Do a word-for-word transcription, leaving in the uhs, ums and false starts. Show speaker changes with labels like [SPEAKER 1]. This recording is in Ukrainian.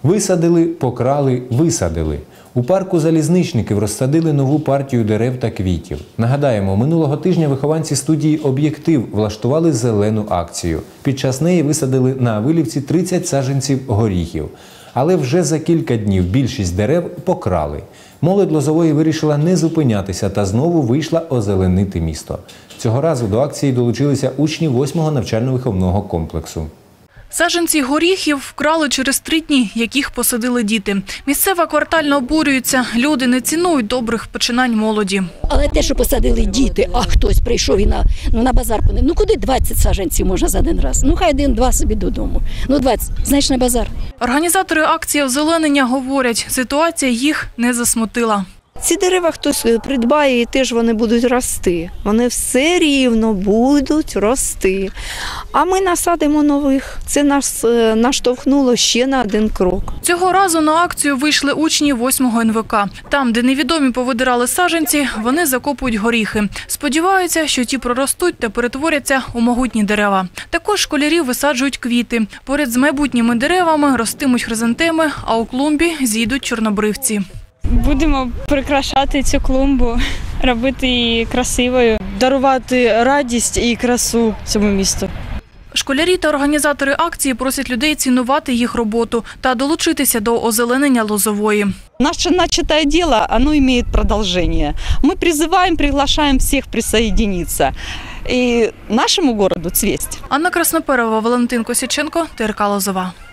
[SPEAKER 1] Висадили, покрали, висадили. У парку залізничників розсадили нову партію дерев та квітів. Нагадаємо, минулого тижня вихованці студії «Об'єктив» влаштували зелену акцію. Під час неї висадили на Авилівці тридцять саджанців горіхів. Але вже за кілька днів більшість дерев покрали. Молодь Лозової вирішила не зупинятися та знову вийшла озеленити місто. Цього разу до акції долучилися учні восьмого навчально-виховного комплексу.
[SPEAKER 2] Саджанці горіхів вкрали через три дні, яких посадили діти. Місцева квартальна обурюється. Люди не цінують добрих починань молоді.
[SPEAKER 3] Але те, що посадили діти, а хтось прийшов і на, ну, на базар понив. Ну куди двадцять саджанців можна за один раз? Ну хай один-два собі додому. Ну двадцять, знаєш, на базар.
[SPEAKER 2] Організатори акції озеленення говорять, ситуація їх не засмутила.
[SPEAKER 4] Ці дерева хтось придбає і теж вони будуть рости. Вони все рівно будуть рости. А ми насадимо нових. Це нас наштовхнуло ще на один крок.
[SPEAKER 2] Цього разу на акцію вийшли учні восьмого ен ве ка. Там, де невідомі повидирали саджанці, вони закопують горіхи. Сподіваються, що ті проростуть та перетворяться у могутні дерева. Також школярі висаджують квіти. Поряд з майбутніми деревами ростимуть хризантеми, а у клумбі зійдуть чорнобривці.
[SPEAKER 5] Будемо прикрашати цю клумбу, робити її красивою.
[SPEAKER 6] Дарувати радість і красу цьому місту.
[SPEAKER 2] Школярі та організатори акції просять людей цінувати їх роботу та долучитися до озеленення Лозової.
[SPEAKER 7] Наше начатое дело, оно имеет продолжение. Мы призываем, приглашаем всех присоединиться и нашему городу цвесть.
[SPEAKER 2] Анна Красноперова, Валентин Косяченко, ТРК Лозова.